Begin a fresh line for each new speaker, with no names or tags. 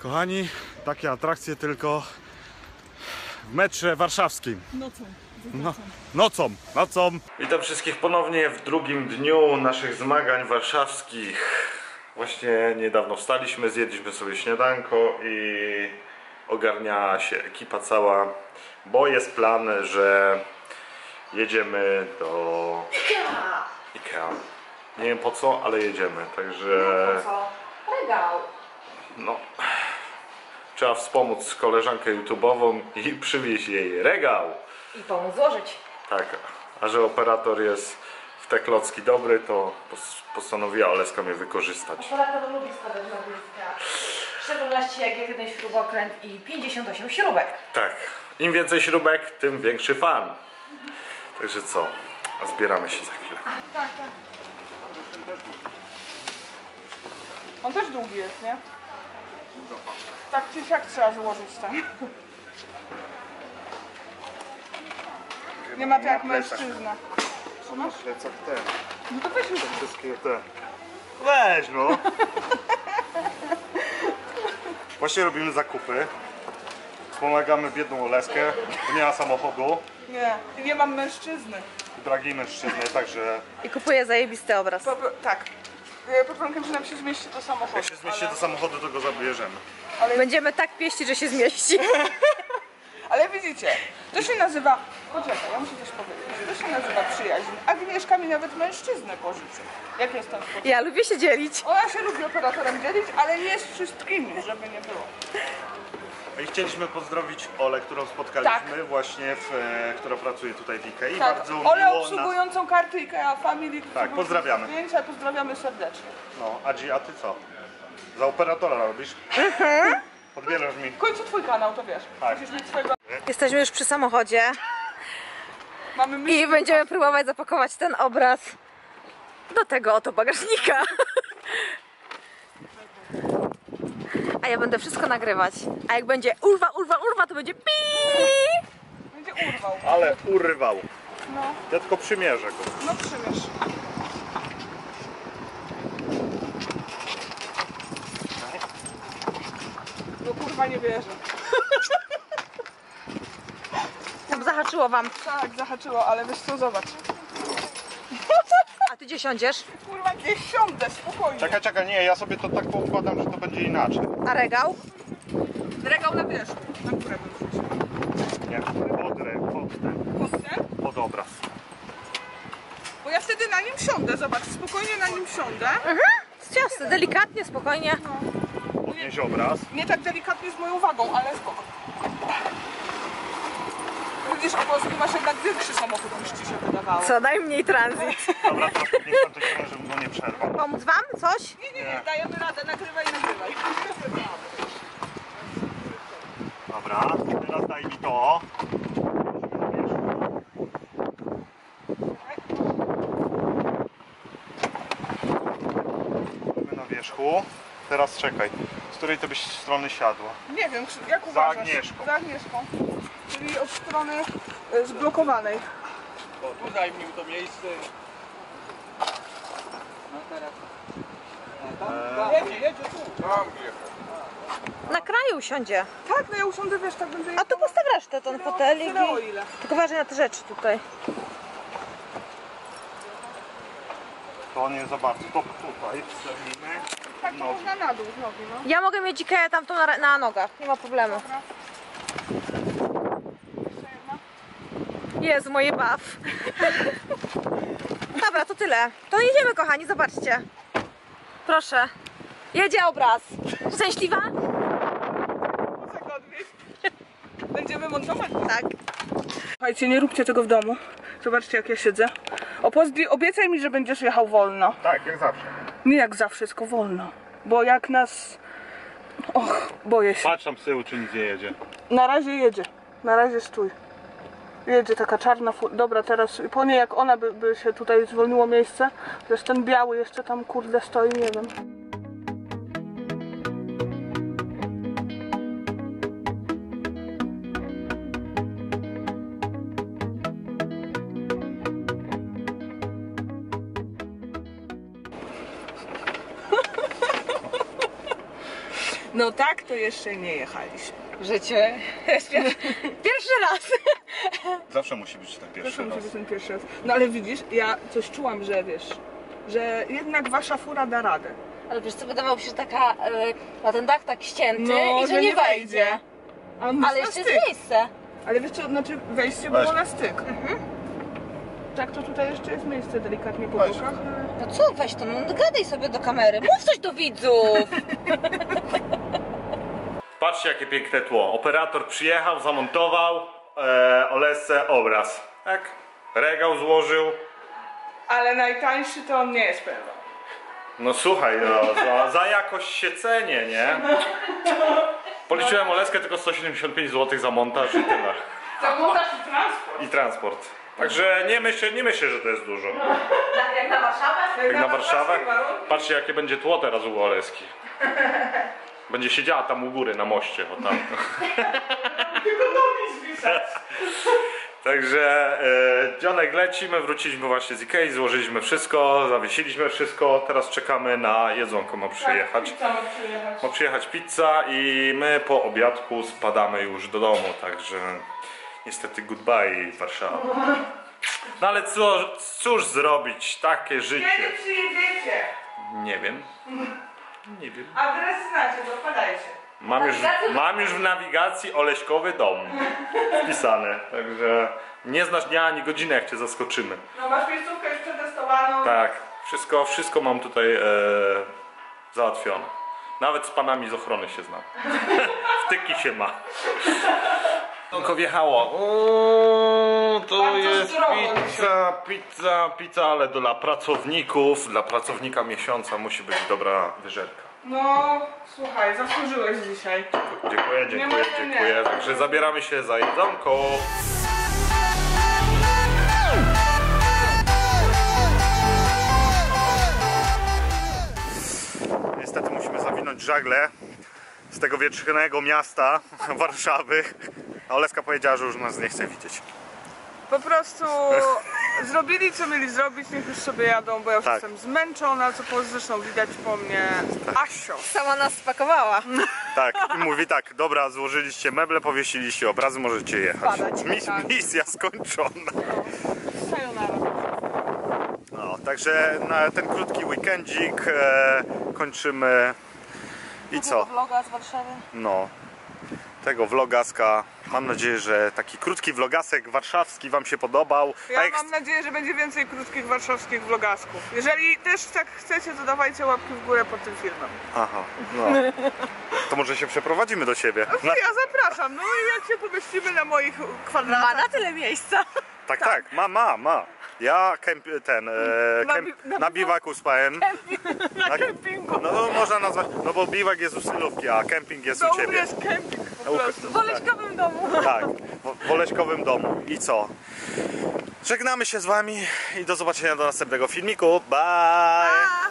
Kochani, takie atrakcje tylko w metrze warszawskim. Nocą. Witam wszystkich ponownie w drugim dniu naszych zmagań warszawskich. Właśnie niedawno wstaliśmy, zjedliśmy sobie śniadanko i ogarnia się ekipa cała, bo jest plan, że jedziemy do IKEA. Nie wiem po co, ale jedziemy, także...
Po co? Regał.
No, trzeba wspomóc koleżankę YouTube'ową i przywieźć jej regał.
I pomóc złożyć.
Tak, a że operator jest w te klocki dobry, to postanowiła Oleska mnie wykorzystać.
Operator lubi składać na bliska. W szczególności jak jest jeden śrubokręt i 58 śrubek.
Tak, im więcej śrubek, tym większy fan. Także co, a zbieramy się za chwilę.
Tak. On też długi jest, nie? Tak czy siak trzeba złożyć tam. Nie ma to jak mężczyzna.
Co masz plecak ten?
No to weź już.
Wszystkie te. Weź no! Właśnie robimy zakupy. Wspomagamy biedną Oleskę, bo nie ma samochodu.
Nie, i nie mam mężczyzny.
Drogiej mężczyzny, także
I kupuję zajebisty obraz.
Tak. Pod warunkiem, że nam się zmieści do samochodu.
jak się zmieści do samochodu, to go zabierzemy.
Będziemy tak pieścić, że się zmieści.
Ale widzicie, to się nazywa... Poczekaj, ja muszę coś powiedzieć. To się nazywa przyjaźń. Agnieszka mi nawet mężczyznę pożyczy. Jak jestem w
Ja lubię się dzielić.
Ona się lubi operatorem dzielić, ale nie z wszystkimi, żeby nie było.
I chcieliśmy pozdrowić Olę, którą spotkaliśmy właśnie, która pracuje tutaj w IKEA.
Tak,
Bardzo
Olę
miło
obsługującą karty IKEA Family.
Tak, pozdrawiamy.
Zdjęcia, pozdrawiamy serdecznie.
No, Adzi, a ty co? Za operatora robisz? Podbierasz mi.
W końcu twój kanał, to wiesz.
Tak.
Musisz mieć swojego...
Jesteśmy już przy samochodzie
Mamy myśl...
i będziemy próbować zapakować ten obraz do tego oto bagażnika. A ja będę wszystko nagrywać. A jak będzie urwa, to będzie pi.
Będzie urwał.
Ale urwał.
No,
Ja tylko przymierzę go.
no przymierz. No kurwa nie wierzę.
Zahaczyło wam.
Tak, zahaczyło, ale wiesz co, zobacz.
A ty gdzie siądziesz?
Kurwa, gdzieś siądę, spokojnie.
Czekaj, nie, ja sobie to tak poukładam, że to będzie inaczej.
A regał?
Regał na wierzchu, na górę bym wrzuciła.
Nie, pod ten,
Kostkę?
pod obraz.
Bo ja wtedy na nim siądę, zobacz, spokojnie na nim siądę.
Ciasne, delikatnie, spokojnie.
Podnieś obraz.
Nie tak delikatnie z moją wagą, ale spoko. Widzisz, po prostu masz jednak większy samochód niż ci się wydawało.
Co najmniej tranzyt.
Dobra, teraz podniosłem tej strony, żebym go nie przerwał.
Pomóc wam? Coś?
Nie, dajemy radę, nagrywaj.
Dobra, teraz daj mi to. Mamy na wierzchu. Teraz czekaj, z której to byś strony siadła?
Nie wiem, jak uważasz?
Agnieszką.
Za Agnieszką. Czyli od strony zblokowanej.
O, tu zajmij to miejsce. No teraz. Jedzie tu. Tam
Na kraju usiądzie.
Tak, no ja usiądę, wiesz, tak będzie...
A tu postaw resztę, ten fotelik.
Tyle o ile.
Tylko uważaj na te rzeczy tutaj.
To nie za bardzo, to tutaj wstawimy.
Tak, to można na dół z nogi, no.
Ja mogę mieć Ikeę tamtą na nogach, nie ma problemu.
Dobra. Jeszcze jedna.
Jezu, moje baw. Dobra, to tyle. To jedziemy, kochani, zobaczcie. Proszę. Jedzie obraz. Szczęśliwa?
Muszę go odwieźć. Będziemy montować?
Tak.
Słuchajcie, nie róbcie tego w domu. Zobaczcie, jak ja siedzę. Obiecaj mi, że będziesz jechał wolno.
Tak, jak zawsze.
Nie jak zawsze, tylko wolno. Bo jak nas... Och, boję się.
Patrz tam z tyłu, czy nic nie jedzie.
Na razie jedzie. Na razie stój. Jedzie taka czarna Dobra, teraz po niej jak ona by się tutaj zwolniło miejsce. Chociaż ten biały jeszcze tam kurde stoi, nie wiem. No tak to jeszcze nie jechaliśmy.
W życiu jest pierwszy raz.
Zawsze musi być ten
Zresztą musi być ten pierwszy raz. No ale widzisz, ja coś czułam, że wiesz, że jednak wasza fura da radę.
Ale wiesz co, wydawało mi się, że taka, ma ten dach tak ścięty
No,
i że nie wejdzie.
A on
Ale
na
jeszcze
styk.
jest miejsce.
Ale wiesz co, znaczy wejście
Weź.
było na styk. Tak, to tutaj jeszcze jest miejsce delikatnie po
Weź.
bokach.
No co, weź to, no gadaj sobie do kamery, mów coś do widzów.
Patrzcie jakie piękne tło. Operator przyjechał, zamontował Olesce obraz. Tak? Regał złożył.
Ale najtańszy to on nie jest pewien.
No słuchaj, no, za jakość się cenię, nie? Policzyłem Oleskę tylko 175 zł za montaż i tyle.
Za montaż i transport.
I transport. Także nie myślę, że to jest dużo.
Jak na Warszawę?
Jak na Warszawę.
warszawskie warunki.
Patrzcie jakie będzie tło teraz u Oleski. Będzie siedziała tam u góry na moście. O tam.
Tylko nogi zwisać.
Także dzionek lecimy, wróciliśmy właśnie z Ikei, złożyliśmy wszystko, zawiesiliśmy wszystko, teraz czekamy na jedzonko, ma przyjechać.
Pizza ma przyjechać.
Ma przyjechać pizza i my po obiadku spadamy już do domu, także niestety goodbye Warszawa. No ale cóż zrobić, takie życie.
Kiedy przyjedziecie?
Nie wiem. Nie wiem.
Adres znacie, dopadajcie.
Mam już w nawigacji Oleśkowy dom wpisane, także nie znasz dnia ani godziny jak cię zaskoczymy.
No masz miejscówkę już przetestowaną.
Tak, wszystko mam tutaj załatwione. Nawet z panami z ochrony się znam. Wtyki się ma. Tylko wjechało. To
Bardzo
jest
zdrowo
pizza, ale dla pracowników, dla pracownika miesiąca musi być dobra wyżerka.
No, słuchaj, zasłużyłeś dzisiaj.
Dziękuję. Także zabieramy się za jedzonko. Niestety musimy zawinąć żagle z tego wietrznego miasta Warszawy. A Oleska powiedziała, że już nas nie chce widzieć.
Po prostu zrobili co mieli zrobić, niech już sobie jadą, bo ja już
Tak.
jestem zmęczona, co zresztą widać po mnie. Asio.
Sama nas spakowała.
Tak, i mówi tak, dobra, złożyliście meble, powiesiliście obrazy, możecie jechać.
Padać, tak.
Misja skończona.
Sayonara.
No, także na ten krótki weekendzik kończymy. I co?
Vloga z Warszawy.
No, tego vlogaska. Mam nadzieję, że taki krótki vlogasek warszawski wam się podobał.
Ja
A jak
mam nadzieję, że będzie więcej krótkich warszawskich vlogasków. Jeżeli też tak chcecie, to dawajcie łapki w górę pod tym filmem.
Aha, no. To może się przeprowadzimy do ciebie.
No ja zapraszam, no i jak się pomieścimy na moich kwadratach.
Ma na tyle miejsca.
Tak, ma. Ja na biwaku spałem.
Na kempingu.
No to można nazwać, no bo biwak jest u Sylówki, a kemping jest
To
u
u mnie
ciebie.
jest kemping po prostu.
W Oleśkowym domu.
Tak, w Oleśkowym domu. I co? Żegnamy się z wami i do zobaczenia do następnego filmiku. Bye!